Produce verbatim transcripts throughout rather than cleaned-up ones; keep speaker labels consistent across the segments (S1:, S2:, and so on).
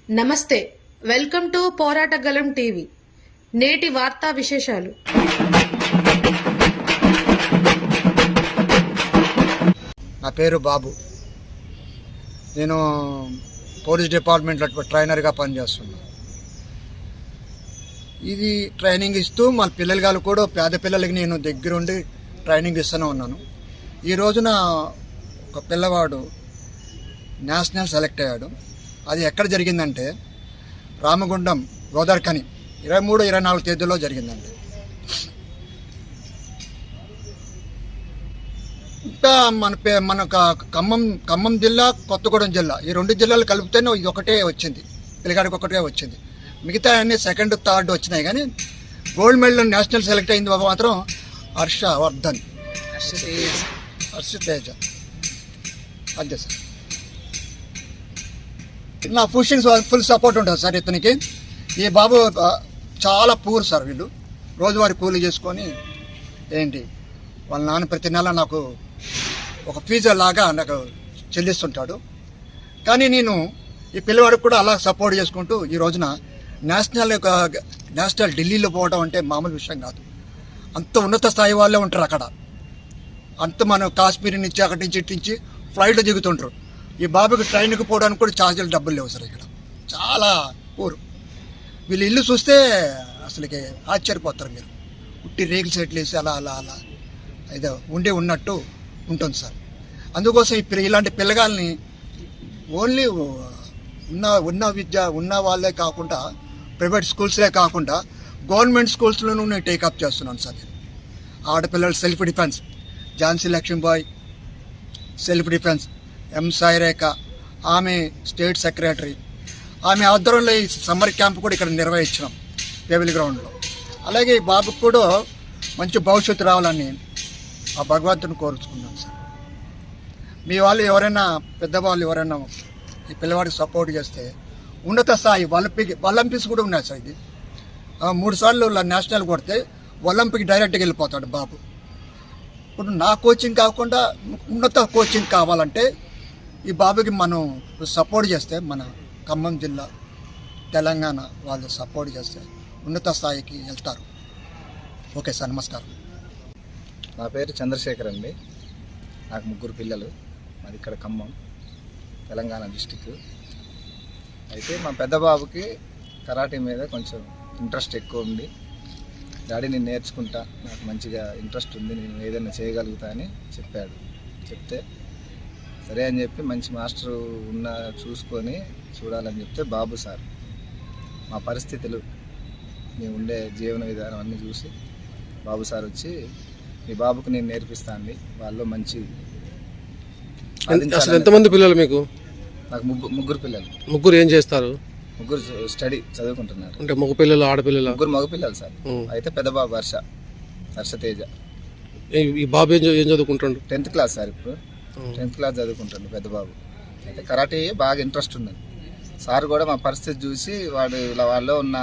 S1: నమస్తే, welcome to పోరాటగలం TV. నేటి వార్తా విశేషాలు.
S2: నా పేరు బాబు. నేను పోలీస్ డిపార్ట్మెంట్లో ట్రైనర్గా పనిచేస్తున్నాను. ఇది ట్రైనింగ్ ఇస్తూ మన పిల్లలు కూడా పేద పిల్లలకి నేను దగ్గరుండి ట్రైనింగ్ ఇస్తూనే ఉన్నాను. ఈ రోజున ఒక పిల్లవాడు నేషనల్ సెలెక్ట్ అయ్యాడు. అది ఎక్కడ జరిగిందంటే రామగుండం గోదావరిఖని ఇరవై మూడు ఇరవై నాలుగు తేదీలో జరిగిందండి. ఇంకా మన పే మన ఖమ్మం ఖమ్మం జిల్లా, కొత్తగూడెం జిల్లా, ఈ రెండు జిల్లాలు కలిపితేనే ఇది ఒకటే వచ్చింది, పిల్లగాడికి ఒకటే వచ్చింది. మిగతా అన్నీ సెకండ్ థర్డ్ వచ్చినాయి. కానీ గోల్డ్ మెడల్ నేషనల్ సెలెక్ట్ అయింది బాబు మాత్రం హర్షవర్ధన్ హర్షతేజ అంతే సార్. నా పుషింగ్ ఫుల్ సపోర్ట్ ఉంటుంది సార్ ఇతనికి. ఈ బాబు చాలా పూర్ సార్. వీళ్ళు రోజువారీ కూలీ చేసుకొని ఏంటి వాళ్ళ నాన్న ప్రతి నెల నాకు ఒక ఫీజు లాగా నాకు చెల్లిస్తుంటాడు. కానీ నేను ఈ పిల్లవాడికి కూడా అలా సపోర్ట్ చేసుకుంటూ ఈ రోజున నేషనల్ నేషనల్ ఢిల్లీలో పోవడం అంటే మామూలు విషయం కాదు. అంత ఉన్నత స్థాయి వాళ్ళే ఉంటారు అక్కడ. అంత మనం కాశ్మీర్ నుంచి అక్కడి నుంచి ఇటు నుంచి ఫ్లైట్లో దిగుతుంటారు. ఈ బాబుకి ట్రైన్కి పోవడానికి కూడా ఛార్జీలు డబ్బులు లేవు సార్. ఇక్కడ చాలా పూర్. వీళ్ళు ఇల్లు చూస్తే అసలుకి ఆశ్చర్యపోతారు మీరు. ఉట్టి రేకుల సెట్లు వేసి అలా అలా అలా ఏదో ఉండి ఉన్నట్టు ఉంటుంది సార్. అందుకోసం ఇప్పుడు ఇలాంటి పిల్లగాల్ని ఓన్లీ ఉన్న ఉన్న విద్య ఉన్న వాళ్ళే కాకుండా ప్రైవేట్ స్కూల్స్లే కాకుండా గవర్నమెంట్ స్కూల్స్లోనూ నేను టేకప్ చేస్తున్నాను సార్. నేను ఆడపిల్లలు self defence, Jhansi Lakshmibai self defence, M Sairekha ఆమె స్టేట్ సెక్రటరీ, ఆమె ఆధ్వర్యంలో ఈ సమ్మర్ క్యాంప్ కూడా ఇక్కడ నిర్వహించినాం పేవిల్ గ్రౌండ్లో. అలాగే ఈ బాబుకు కూడా మంచి భవిష్యత్తు రావాలని ఆ భగవంతుని కోరుచుకున్నాను సార్. మీ వాళ్ళు ఎవరైనా పెద్దవాళ్ళు ఎవరైనా ఈ పిల్లవాడికి సపోర్ట్ చేస్తే ఉన్నత స్థాయి ఒలింపిక్ ఒలింపిక్స్ కూడా ఉన్నాయి సార్. ఇది మూడు సార్లు నేషనల్ కొడితే ఒలింపిక్ డైరెక్ట్గా వెళ్ళిపోతాడు బాబు. ఇప్పుడు నా కోచింగ్ కాకుండా ఉన్నత కోచింగ్ కావాలంటే ఈ బాబుకి మనం సపోర్ట్ చేస్తే మన ఖమ్మం జిల్లా, తెలంగాణ వాళ్ళు సపోర్ట్ చేస్తే ఉన్నత స్థాయికి వెళ్తారు. ఓకే సార్, నమస్కారం.
S3: నా పేరు చంద్రశేఖర్ అండి. నాకు ముగ్గురు పిల్లలు. మాది ఇక్కడ ఖమ్మం, తెలంగాణ డిస్టిక్. అయితే మా పెద్ద బాబుకి కరాటే మీద కొంచెం ఇంట్రెస్ట్ ఎక్కువ ఉంది. డాడీ నేను నేర్చుకుంటా, నాకు మంచిగా ఇంట్రెస్ట్ ఉంది, నేను ఏదైనా చేయగలుగుతా అని చెప్పాడు. చెప్తే సరే అని చెప్పి మంచి మాస్టర్ ఉన్న చూసుకొని చూడాలని చెప్తే బాబు సార్ మా పరిస్థితులు, మేము ఉండే జీవన విధానం అన్నీ చూసి బాబు సార్ వచ్చి మీ బాబుకు నేను నేర్పిస్తాను. వాళ్ళు మంచి.
S4: అసలు ఎంతమంది పిల్లలు మీకు?
S3: నాకు ముగ్గురు ముగ్గురు పిల్లలు.
S4: ముగ్గురు ఏం చేస్తారు?
S3: ముగ్గురు స్టడీ చదువుకుంటున్నారు.
S4: అంటే మగ పిల్లలు, ఆడపిల్లలు?
S3: ముగ్గురు మగ పిల్లలు సార్. అయితే పెద్ద బాబు హర్ష హర్షతేజ.
S4: ఈ బాబు ఏం ఏం చదువుకుంటాడు?
S3: Tenth class sir. ఇప్పుడు టెన్త్ క్లాస్ చదువుకుంటాడు పెద్ద బాబు. అయితే కరాటే బాగా ఇంట్రెస్ట్ ఉంది. సార్ కూడా మా పరిస్థితి చూసి వాడు ఇలా వాళ్ళలో ఉన్న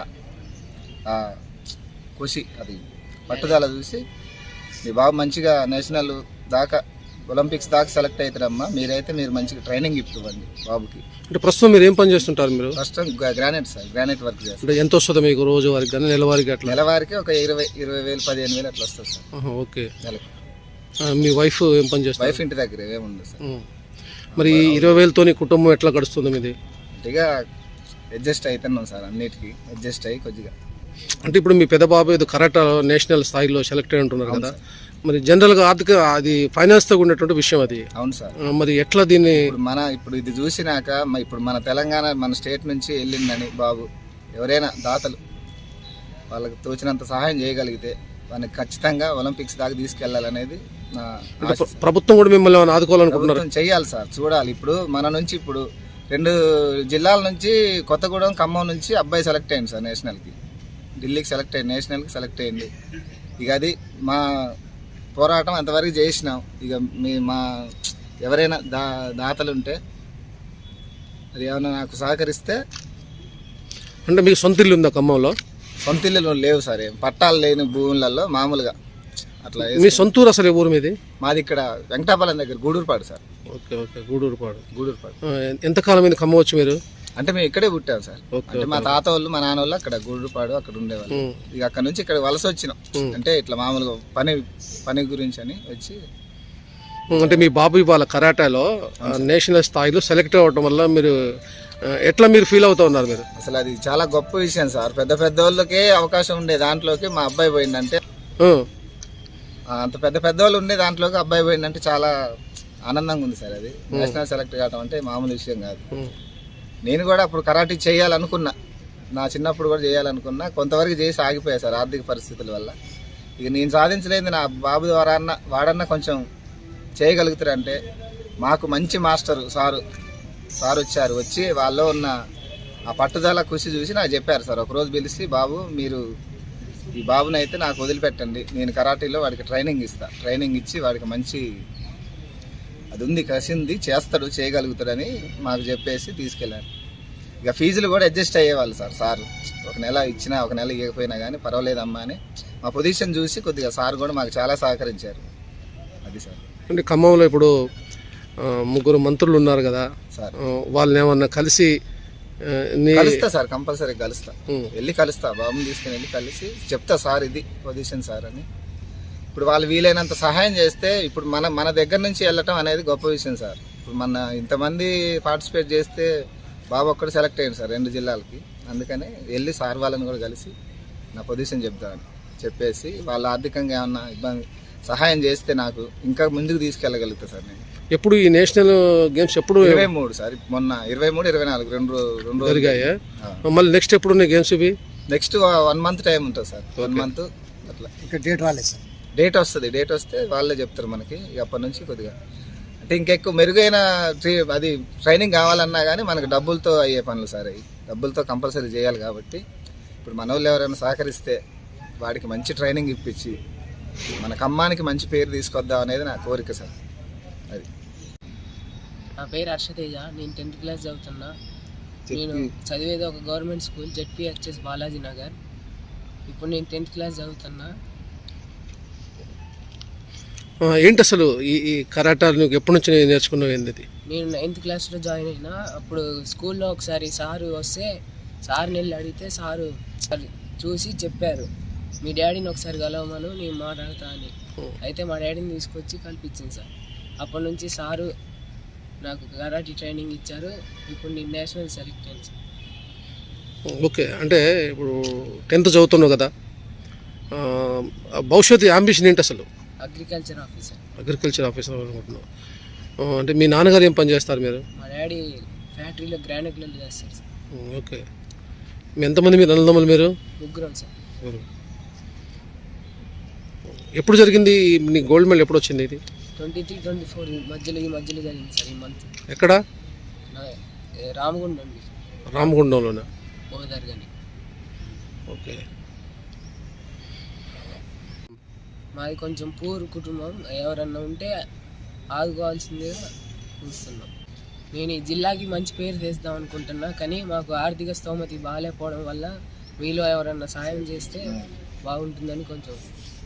S3: ఖుషి, అది పట్టుదల చూసి మీ బాబు మంచిగా నేషనల్ దాకా, ఒలింపిక్స్ దాకా సెలెక్ట్ అవుతారమ్మా, మీరైతే మీరు మంచిగా ట్రైనింగ్ ఇవ్వండి బాబుకి.
S4: అంటే ప్రస్తుతం మీరు ఏం పని చేస్తుంటారు? మీరు
S3: ప్రస్తుతం గ్రానైట్ సార్, గ్రానైట్ వర్క్ చేస్తారు.
S4: అంటే ఎంత వస్తుంది మీకు రోజు వారికి కానీ నెలవారికి? అట్లా
S3: నెలవారికి ఒక ఇరవై ఇరవై వేలు పదిహేను వేలు అట్లా వస్తుంది సార్.
S4: ఓకే.
S3: నెలకు.
S4: మీ వైఫ్ ఏం పని చేస్తారు?
S3: వైఫ్ ఇంటి దగ్గర ఏముంది సార్.
S4: మరి ఇరవై వేలతో కుటుంబం ఎట్లా గడుస్తుంది మీది?
S3: కొద్దిగా అడ్జస్ట్ అవుతున్నాం సార్, అన్నిటికీ అడ్జస్ట్ అయ్యి కొద్దిగా.
S4: అంటే ఇప్పుడు మీ పెద్ద బాబు ఏదో కరాటే నేషనల్ స్థాయిలో సెలెక్ట్ అయి ఉంటున్నారు కదా, మరి జనరల్గా ఆర్థిక అది ఫైనాన్స్తో ఉన్నటువంటి విషయం అది.
S3: అవును సార్.
S4: మరి ఎట్లా దీన్ని
S3: మన ఇప్పుడు ఇది చూసినాక ఇప్పుడు మన తెలంగాణ మన స్టేట్ నుంచి వెళ్ళిందని బాబు ఎవరైనా దాతలు వాళ్ళకి తోచినంత సహాయం చేయగలిగితే వాళ్ళకి ఖచ్చితంగా ఒలింపిక్స్ దాకా తీసుకెళ్లాలనేది నా ఆశ.
S4: ప్రభుత్వం కూడా మిమ్మల్ని ఆదుకోవాలనుకుంటున్నారు?
S3: చేయాలి సార్, చూడాలి. ఇప్పుడు మన నుంచి ఇప్పుడు రెండు జిల్లాల నుంచి కొత్తగూడెం, ఖమ్మం నుంచి అబ్బాయి సెలెక్ట్ అయ్యింది సార్ నేషనల్కి. ఢిల్లీకి సెలెక్ట్ అయ్యింది, నేషనల్కి సెలెక్ట్ అయ్యింది. ఇక అది మా పోరాటం అంతవరకు చేసినాం. ఇక మీ మా ఎవరైనా దా దాతలు ఉంటే అది ఏమైనా నాకు సహకరిస్తే.
S4: అంటే మీకు సొంత ఇల్లు ఉందా ఖమ్మంలో?
S3: సొంత ఇల్లు లేవు సార్, ఏం పట్టాలు లేని భూములలో మామూలుగా అట్లా.
S4: మీ సొంతూరు అసలు ఊరు మీది?
S3: మాది ఇక్కడ వెంకటాపాలెం దగ్గర Gudurupadu sir.
S4: Okay okay, Gudurupadu.
S3: Gudurupadu.
S4: ఎంతకాలం మీద ఖమ్మం వచ్చి మీరు?
S3: అంటే మేము ఇక్కడే పుట్టాం సార్.
S4: ఓకే,
S3: అంటే మా తాత వాళ్ళు మా నాన్న వాళ్ళు అక్కడ గుడ్రుపాడు అక్కడ ఉండేవాళ్ళు.
S4: ఉమ్.
S3: ఇక అక్కడ నుంచి ఇక్కడ వలస వచ్చినాం. అంటే ఇట్లా మామూలుగా పని పని గురించి అని వచ్చి.
S4: అంటే మీ బాబు ఇవాళ కరాటాలో నేషనల్ స్థాయిలో సెలెక్ట్ అవ్వడం వల్ల మీరు ఆ, ఎట్లా మీరు ఫీల్ అవుతా ఉన్నారు మీరు?
S3: అసలు అది చాలా గొప్ప విషయం సార్. పెద్ద పెద్ద వాళ్ళకే అవకాశం ఉండే దాంట్లోకి మా అబ్బాయి పోయిందంటే,
S4: ఆ,
S3: ఆ, అంత పెద్ద పెద్ద వాళ్ళు ఉండే దాంట్లోకి అబ్బాయి పోయిందంటే చాలా ఆనందంగా ఉంది సార్. అది నేషనల్ సెలెక్ట్ కావడం అంటే మామూలు విషయం కాదు.
S4: ఉమ్,
S3: నేను కూడా అప్పుడు కరాటీ చేయాలనుకున్నా, నా చిన్నప్పుడు కూడా చేయాలనుకున్నా, కొంతవరకు చేసి ఆగిపోయా సార్ ఆర్థిక పరిస్థితుల వల్ల. ఇక నేను సాధించలేదు నా బాబు ద్వారా అన్న వాడన్నా కొంచెం చేయగలుగుతారంటే, మాకు మంచి మాస్టరు సారు సార్ వచ్చారు. వచ్చి వాళ్ళలో ఉన్న ఆ పట్టుదల కృషి చూసి నాకు చెప్పారు సార్. ఒకరోజు పిలిచి, బాబు మీరు ఈ బాబుని అయితే నాకు వదిలిపెట్టండి, నేను కరాటీలో వాడికి ట్రైనింగ్ ఇస్తా, ట్రైనింగ్ ఇచ్చి వాడికి మంచి అది ఉంది కసింది చేస్తాడు చేయగలుగుతాడని మాకు చెప్పేసి తీసుకెళ్ళారు. ఇక ఫీజులు కూడా అడ్జస్ట్ అయ్యేవాళ్ళు సార్. సార్ ఒక నెల ఇచ్చినా ఒక నెల ఇవ్వకపోయినా కానీ పర్వాలేదమ్మా అని మా పొజిషన్ చూసి కొద్దిగా సార్ కూడా మాకు చాలా సహకరించారు. అది సార్.
S4: అంటే ఖమ్మంలో ఇప్పుడు ఆ, ముగ్గురు మంత్రులు ఉన్నారు కదా
S3: సార్
S4: ఆ, వాళ్ళని ఏమన్నా కలిసి ఆ, నీ
S3: కలుస్తా సార్, కంపల్సరీ కలుస్తా.
S4: ఉమ్,
S3: వెళ్ళి కలుస్తా, బాబుని తీసుకుని వెళ్ళి కలిసి చెప్తా సార్ ఇది పొజిషన్ సార్ అని. ఇప్పుడు వాళ్ళు వీలైనంత సహాయం చేస్తే, ఇప్పుడు మన మన దగ్గర నుంచి వెళ్ళటం అనేది గొప్ప విషయం సార్. ఇప్పుడు మన ఇంతమంది పార్టిసిపేట్ చేస్తే బాబు ఒక్కడు సెలెక్ట్ అయ్యింది సార్ రెండు జిల్లాలకి. అందుకని వెళ్ళి సార్ వాళ్ళని కూడా కలిసి నా పొజిషన్ చెప్తామని చెప్పేసి, వాళ్ళు ఆర్థికంగా ఏమన్నా ఇబ్బంది సహాయం చేస్తే నాకు ఇంకా ముందుకు తీసుకెళ్ళగలుగుతా సార్. నేను
S4: ఎప్పుడు ఈ నేషనల్ గేమ్స్ ఎప్పుడు
S3: ఇరవై మూడు సార్, మొన్న ఇరవై మూడు ఇరవై నాలుగు రెండు రో- రెండు రోజులు
S4: జరిగాయా? మళ్ళీ నెక్స్ట్ ఎప్పుడు ఉన్నాయి గేమ్స్ ఇవి?
S3: నెక్స్ట్ వన్ మంత్ టైం ఉంటుంది సార్. వన్ మంత్ అట్లా
S2: ఇంకా డేట్ రాలేదు సార్.
S3: డేట్ వస్తుంది. డేట్ వస్తే వాళ్ళే చెప్తారు మనకి. ఇక అప్పటి నుంచి కొద్దిగా అంటే ఇంకెక్కువ మెరుగైన ట్రీ అది ట్రైనింగ్ కావాలన్నా కానీ మనకు డబ్బులతో అయ్యే పనులు సార్. అవి డబ్బులతో కంపల్సరీ చేయాలి కాబట్టి, ఇప్పుడు మన వాళ్ళు ఎవరైనా సహకరిస్తే వాడికి మంచి ట్రైనింగ్ ఇప్పించి మన ఖమ్మానికి మంచి పేరు తీసుకొద్దాం అనేది నా కోరిక సార్. అది
S5: నా పేరు హర్షతేజ. నేను టెన్త్ క్లాస్ చదువుతున్నా. నేను చదివేది ఒక government school ZPHS Balaji Nagar. ఇప్పుడు నేను టెన్త్ క్లాస్ చదువుతున్నా.
S4: ఆ, ఏంటి అసలు ఈ ఈ కరాటా నువ్వు ఎప్పటి నుంచి నేర్చుకున్నావు? ఏంది?
S5: నేను నైన్త్ క్లాస్లో జాయిన్ అయినా. అప్పుడు స్కూల్లో ఒకసారి సారు వస్తే సార్ని వెళ్ళి అడిగితే సారు చూసి చెప్పారు, మీ డాడీని ఒకసారి కలవమను, నేను మాట్లాడతా అని. అయితే మా డాడీని తీసుకొచ్చి కల్పించింది సార్. అప్పటి నుంచి సారు నాకు కరాటీ ట్రైనింగ్ ఇచ్చారు. ఇప్పుడు నేను నేషనల్ సెలెక్ట్ అయ్యాను సార్.
S4: ఓకే, అంటే ఇప్పుడు టెన్త్ చదువుతున్నావు కదా, ఆ, భవిష్యత్తు అంబిషన్ ఏంటి అసలు?
S5: Agriculture officer.
S4: అగ్రికల్చర్ ఆఫీసర్ అనుకుంటున్నావు. ఆ, అంటే మీ నాన్నగారు ఏం పని చేస్తారు మీరు?
S5: మా డాడీ ఫ్యాక్టరీలో గ్రానైట్లు చేస్తారు సార్.
S4: ఓకే, మీ ఎంతమంది మీరు అన్నదమ్ములు మీరు?
S5: ముగ్గురం సార్.
S4: ఎప్పుడు జరిగింది నీ గోల్డ్ మెడల్? ఎప్పుడు వచ్చింది ఇది?
S5: ట్వంటీ త్రీ ట్వంటీ ఫోర్ మధ్యలో ఈ మధ్యలో జరిగింది సార్. ఈ మంత్
S4: ఎక్కడ?
S5: నా ఏ రామగుండం అండి,
S4: రామగుండంలోనా?
S5: బోధర్ కానీ.
S4: ఓకే,
S5: మాది కొంచెం పూర్ కుటుంబం. ఎవరన్నా ఉంటే ఆదుకోవాల్సిందిగా చూస్తున్నాం. నేను ఈ జిల్లాకి మంచి పేరు తెస్తాం అనుకుంటున్నా, కానీ మాకు ఆర్థిక స్తోమతి బాగాలేకపోవడం వల్ల మీలో ఎవరన్నా సాయం చేస్తే బాగుంటుందని కొంచెం